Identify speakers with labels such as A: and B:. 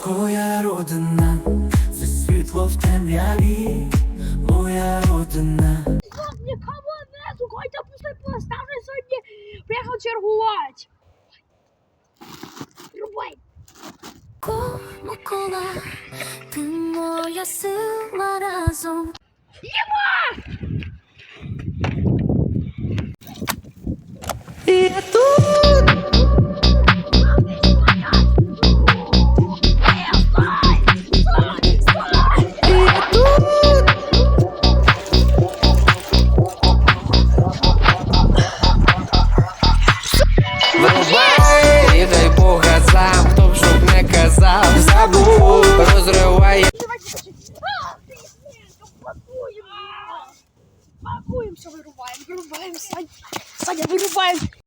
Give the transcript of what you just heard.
A: Моя родина, це світло в темряві, моя родина.
B: Нікого нету, Котя пустой поставлю сьогодні, приїхав чергувати. Рубай.
C: Микола, ти моя сила разом.
B: Єма!
A: Я тут! Врубай, і дай Бога сам, хто б щоб не казав, забув, розриває.
B: Пакуємося, вирубаємо, Саня, вирубаємо.